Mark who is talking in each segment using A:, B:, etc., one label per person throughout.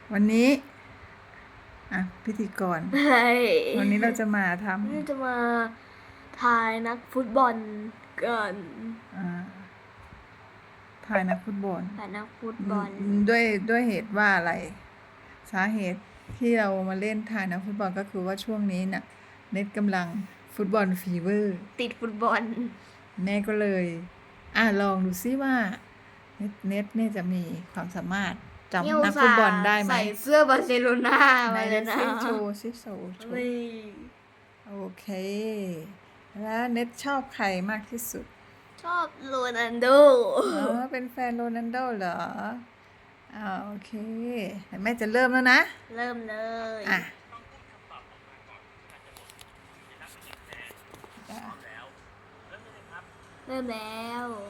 A: วันนี้พิธีกร
B: ใช่
A: วันนี้เราจะมาท
B: นี่จะมาทายนักฟุตบอลกัน
A: ถ่ายนักฟุตบอล
B: ทายนักฟุตบอล
A: ด้วยเหตุว่าอะไร สาเหตุที่เรามาเล่นถ่ายนักฟุตบอลก็คือว่าช่วงนี้น่ะเน็ตกำลังฟุตบอลฟีเวอร์
B: ติดฟุตบอล
A: แม่ก็เลยลองดูซิว่าเน็ตเนี่ยจะมีความสามารถจำนักฟุตบอลได้ไหม
B: ใส่เสื้อบาร์เซโลนา
A: ใน
B: มา
A: เน็
B: แล้ว
A: ต
B: นะ
A: ซิโชว์ซิโชว์
B: นี่
A: โอเค แล้วเน็ตชอบใครมากที่สุด
B: ชอบโรนัลโด
A: เป็นแฟนโรนัลโดเหรอโอเคแม่จะเริ่มแล้วนะ
B: เริ่มเลย เริ่มแล้ว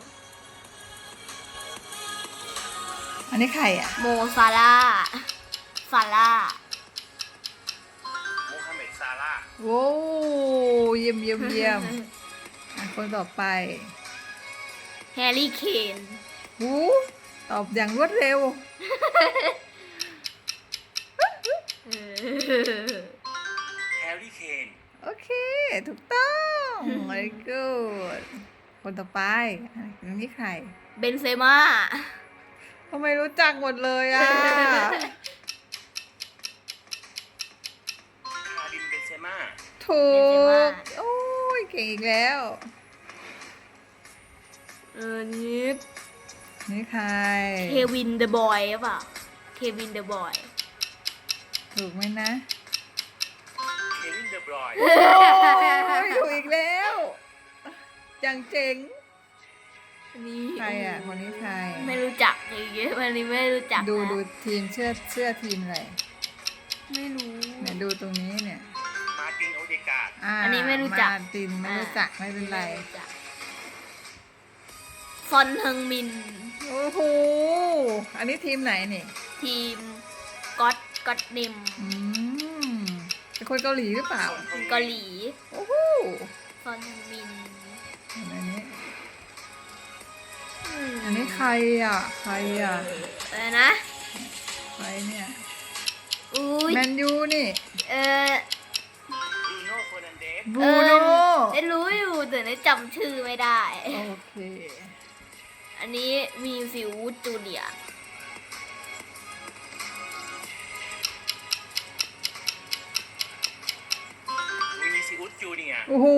A: อันนี้ใคร
B: โมซาลาห์โม
C: ฮัมเหม็ดซาร่าห์
A: โว้เยี่ยม คนต่อไป
B: แฮร์รี่เคน
A: ตอบอย่างรวดเร็ว
C: แฮร์รี่เคน
A: โอเค ถูกต้อง very good คนต่อไปอันนี้ใคร
B: เบนเซม่า
A: ทำไมรู้จักหมดเลย
C: คาริมเบนเซม่า
A: ถูก โอ้ย เก่งอีกแล้ว นี่ใคร
B: เควินเดอะบอยหรือเปล่าเควินเดอะบอย
A: ถูกไหมนะ
C: เควินเดอะบรอยน์
A: โอ้ยถูกอีกแล้วจังเจ๋ง
B: นี่
A: ใครคนนี้ใคร
B: ไม่รู้จักอย่างเงี้ยวันนี้ไม่รู้จัก
A: ดู
B: นะ
A: ทีมเสื้อทีมอะไร
B: ไม่รู้
A: เนี่ยดูตรงนี้เนี่ย
C: มาร์ตินโอเดการ์ด
B: อันนี้ไม่รู้จัก
A: มาตินไม่รู้จักไม่เป็นไร
B: ม่รู้จักซอนเฮิงมิน
A: โอ้โหอันนี้ทีมไหนนี่
B: ทีมก็อตนิม
A: เป็นคนเกาหลีหรือเปล่า
B: เกาหลี
A: โอ้โห
B: ซอนเฮิงมิน
A: อันนี้ใครใคร
B: อะไรนะ
A: ใครเนี่ย
B: อุ้ย
A: แมนยูนี่
B: เออบ
C: รูโน่เฟอร์นันเดส
A: บูโน่
B: ได้รู้อยู่แต่ได้จำชื่อไม่ได้
A: โอเค
B: อันนี้มีฟิวจูเนียร์
C: วินิซิอุสจูเนียร์
A: โอ้โห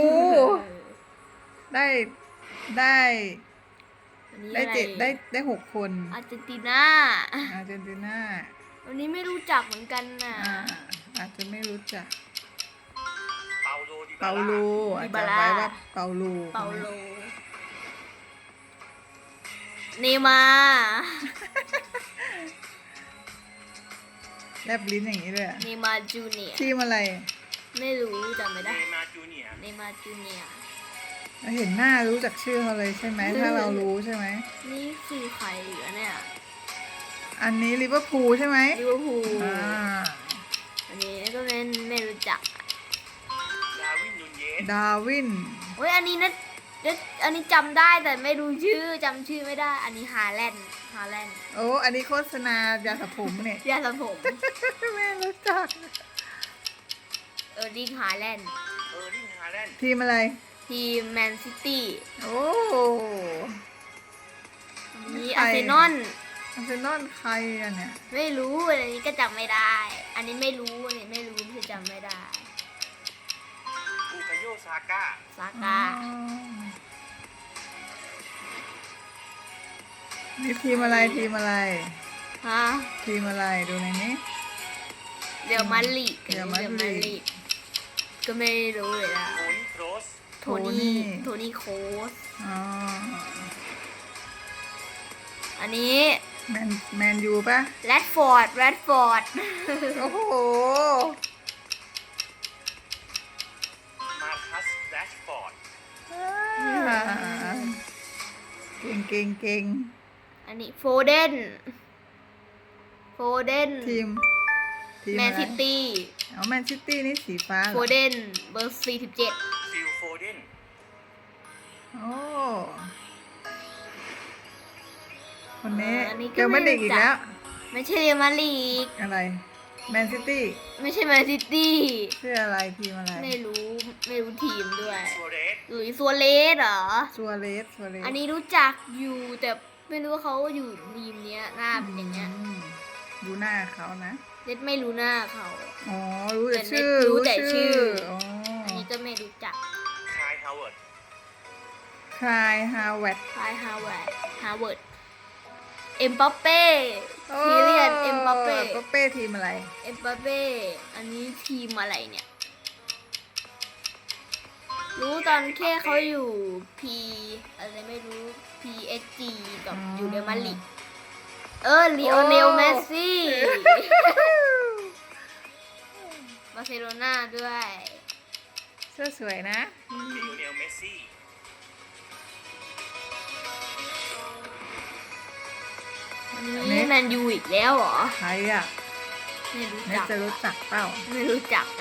A: ได้ได้
B: อันนี้
A: ได้
B: อะไร
A: ได้6 คน
B: อาร์เจนตินา
A: อาร์เจนตินา
B: วันนี้ไม่รู้จักเหมือนกันน่ะ
A: อาจจะไม่รู้จัก
C: เปาโลดิบา
A: เปาโล
C: ร่า
A: อาจจะไว้ว่าเปาโล
B: เปาโลเนย์มาร์
A: แลบลิ้นอย่างนี้เลย
B: เนย์มาร์จูเนียร์
A: ทีมอะไร
B: ไม่รู้จำไม่
C: เน
B: ได้
C: ย์มาร์จูเนียร์
B: เนย์มาร์จูเนียร์
A: เราเห็นหน้ารู้จักชื่อเขาเลยใช่ไหมถ้าเรารู้ใช่ไหม
B: นี่คือใครเหรอเนี่ย
A: อันนี้ลิเวอร์พูลใช่ไหม
B: ลิเวอร์พูล
A: อ่า
B: อันนี้ก็ไม่รู้จัก
C: ดาร์วินนูนเยส
A: ดาร์วิน
B: เฮ้ยอันนี้อันนี้จำได้แต่ไม่รู้ชื่อจำชื่อไม่ได้ อันนี้ฮาแลนด์
A: โอ้อันนี้โฆษณายาสระผมเนี่ย
B: ยาสระผม
A: แม่รู้จัก
B: ดิงฮาแลนด์
C: เออร์ลิงฮาแลนด์
A: ทีมอะไร
B: ทีมแมนซิตี้
A: โอ้
B: มี
A: ใคร
B: อาร์เซนอล
A: อาร์เซนอลใครอะเนี่ย
B: ไม่รู้อันนี้ก็จำไม่ได้ อันนี้ไม่รู้อันนี้ไม่รู้คือจำไม่ได้
C: บูคาโยซาก้า
B: ซาก้า
A: นี่ทีมอะไรทีมอะไร
B: ฮะ
A: ทีมอะไรดูในนี้
B: เดี๋ยวมาลีก
A: เดี๋ยวมาลีก
B: ก็ไม่รู้เลยนะ
C: โทนี่โครส
B: โทนี่โค้ช
A: อ๋อ
B: อันนี้
A: แมนยูปะ
B: แรดฟอร์ด
A: โอ้โห
C: มาร์คัสแรชฟอร์ด
A: เก่ง
B: อันนี้โฟเดน
A: ทีม
B: แมน
A: อะไร
B: ซิตี้
A: แมนซิตี้นี่สีฟ้าเหรอ
B: โฟเดนเบอร์47
C: ฟิลโฟเดน
A: โอ้คนนี้
B: อันนี้ก็
A: เจอมาดิกอีกแล้ว
C: เ
B: ไม่ใช่เรอัลมาดริด
A: อะไรแมนซิตี้
B: ไม่ใช่แมนซิตี้
A: ชื่ออะไรทีมอะไร
B: ไม่รู้ทีมด้วย
C: ซัวเรส
B: หลุยส์ซัวเรสเหรอ
A: ซัวเรส
B: อันนี้รู้จักอยู่แต่ไม่รู้ว่าเขาอยู่ทีมเนี้ยหน้าเป็นอย่างเงี้ย
A: ดูหน้าเขานะ
B: เน็ตไม่รู้หน้าเขา
A: อ๋อ รู้แต่
B: แต่
A: ชื่อ
B: รู้แต่ชื่อ
A: อ๋อ
B: อันนี้ก็ไม่รู้จัก
C: คายฮาวเวิร์ด
A: คลายฮาวเวิร์ด
B: คลายฮาวเวิร์ดเอ็มบัปเป้ทีเรียนเอ็มบัปเป้
A: เป้ทีมอะไร
B: เอ็มบัปเป้อันนี้ทีมอะไรเนี่ย รู้ตอนแค่เขาอยู่ P อะไรไม่รู้ PSG กับ
A: อ๋อ
B: อยู่เรอัลมาดริดลีโอเนลเมสซี่ บาร์เซโลนาด้วย
A: เสื้อสวยนะ
C: ลิโอเนลเมสซี่
B: อันนี้แมนยูอีกแล้วเหรอ
A: ใครอ่ะ
B: ไม่รู้
A: เน็ต
B: จัก
A: จะรู้จักเปล่า
B: ไม่รู้จักอะ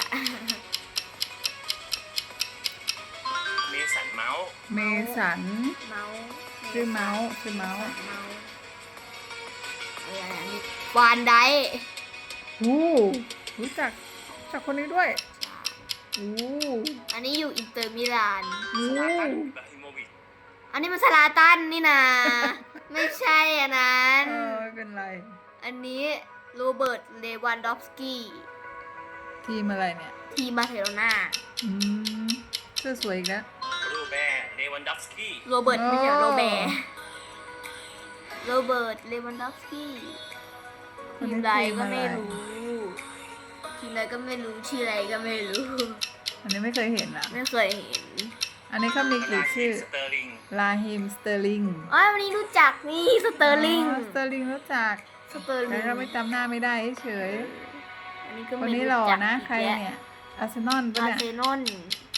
C: เมสันเมาส์
A: เมสัน
B: เมาส์
A: ชื่อเมาส์ชื่อเมาส์
B: เมาส์อะไรอันนี้วานไดค์
A: รู้จักคนนี้ด้วยโอ้
B: อันนี้อยู่อินเตอร์มิลาน
C: ซาลาตันอิบราฮิโมวิช
B: อันนี้มันสลาตันนี่นะ ไม่ใช่อันนั้น
A: ไม่เป็นไร
B: อันนี้โรเบิร์ตเลวันดอฟสกี้
A: ทีมอะไรเนี่ย
B: ทีมบาร์เซโลนา
A: อืมเสื้อสวยอีกแล้ว
C: โรแบร์เลวันดอฟสกี้
B: โรเบิร์ตไม่ใช่
A: โอ้
B: โรแบร์โรเบิร์ตเลวันดอฟสกี้ ทีมใดก็ไม่รู้ ทีมใดก็ไม่รู้ ชื่ออะไรก็ไม่รู้
A: อันนี้ไม่เคยเห็นอ่ะ
B: ไม่เคยเห็น
A: อันนี้เขามีกี่ชื่อ
C: สเตอร์ลิง
A: ลาฮิมสเตอร์ลิง
B: อ๋อวันนี้รู้จักนี่สเตอร์ลิง
A: สเตอร์ลิงรู้จัก
B: สเตอร์ลิ
A: แต่
B: ง
A: เราไม่จำหน้าไม่ได้เฉย
B: อันนี้ก็
A: คน
B: ไม่
A: นี้
B: รู้
A: หล่อ
B: จัก
A: นะ
B: อีก
A: ใคร
B: แล้ว
A: เนี่ยอาร์เซนอลปะ
B: อา
A: เนี่
B: ร์
A: ย
B: เซนอล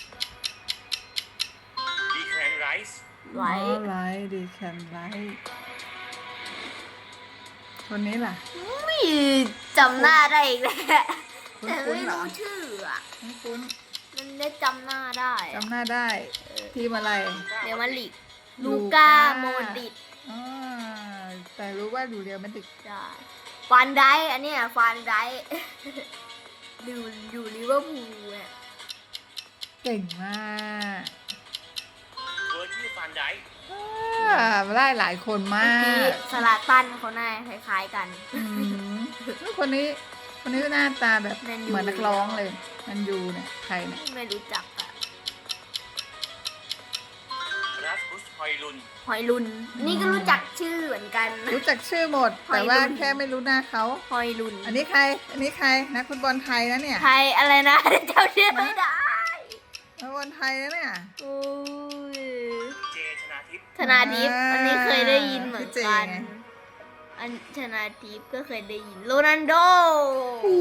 C: ดีแคลนไรส์
B: ไว้
A: ไลท์ดีแคนไลท์คนนี้ล่ะ
B: อุ้ยจำหน้าได้อีกแล้ว
A: คุ้นๆ
B: แต่ไม่
A: เหรอ
B: รู้ชื่ออ่ะ
A: คุ้น
B: มันได้จำหน้าได้
A: ๆ
B: อะ
A: จำหน้าได้ ทีมอะไร
B: เรอัลมาดริด
A: ลู
B: ลู
A: ก้า
B: ก้าโมดริด
A: อ่าแต่รู้ว่าดูเรียวมันติด
B: ใช่ฟานไดค์อันเนี้ยฟานไดค์ อยู่ลิเวอร์พูลเนี่ย
A: เก่งมาก
C: เวอร์จิลฟานไดค์
A: ได้หลายคนมา
B: เมื่อกี้
A: ก
B: สลาตันเขาหน้าคล้ายๆกัน
A: อืมคนนี้หน้าตาแบบ
B: แมนยู
A: เหมือนนักร้องเลยแมันยูเนี่ยใครเนี่ย
B: ไม่รู้จักอะ
C: รัสบุสฮอยลุน
B: หอยลุน นี่ก็รู้จักชื่อเหมือนกัน
A: รู้จักชื่อหมด
B: หอย
A: แต่ว่า
B: ลุน
A: แค่ไม่รู้หน้าเขา
B: หอยลุน
A: อันนี้ใครนักฟุตบอลไทยนะเนี่ย
B: ไทยอะไรนะ จำชื่อไม่ได้
A: นักฟุตบอลไทยนะเนี่ย
B: โอ้ย
C: เจชนาทิพย์
B: ธนาทิพย์อันนี้เคยได้ยินเหมือน
A: พี่เจ
B: กัน
A: ไง
B: อันธนาทิพย์ก็เคยได้ยินโรนัลโด
A: โอ้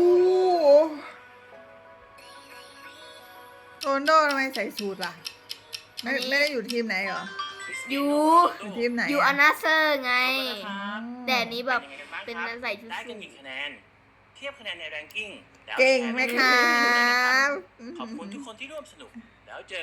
A: โรนลโดทำไมใส่สูทล่ะ ไม่ได้อยู่ทีมไหนเหรอ
C: คริส
B: อ
C: เตี
B: ยู่
C: โรนัลโด
A: อยู่ทีมไหน
B: อยู่อานาเซอร์ไง
C: ขอบคุณนะครับ
B: แต่อันนี้แบบ
C: เป็นยังไงกันบ้างครับ
B: เป็นใส่ชุด
C: ได้
B: สู
C: กัน
B: ท
C: กี่คะแนน เทียบคะแนนในแรงกิ้งแล้ว
A: เก่งไหมค
C: แช
A: รั
C: ร์ไปด้วยนะครับ
A: บ
C: ขอบคุณทุกคนที่ร่วมสนุก แล้วเจอ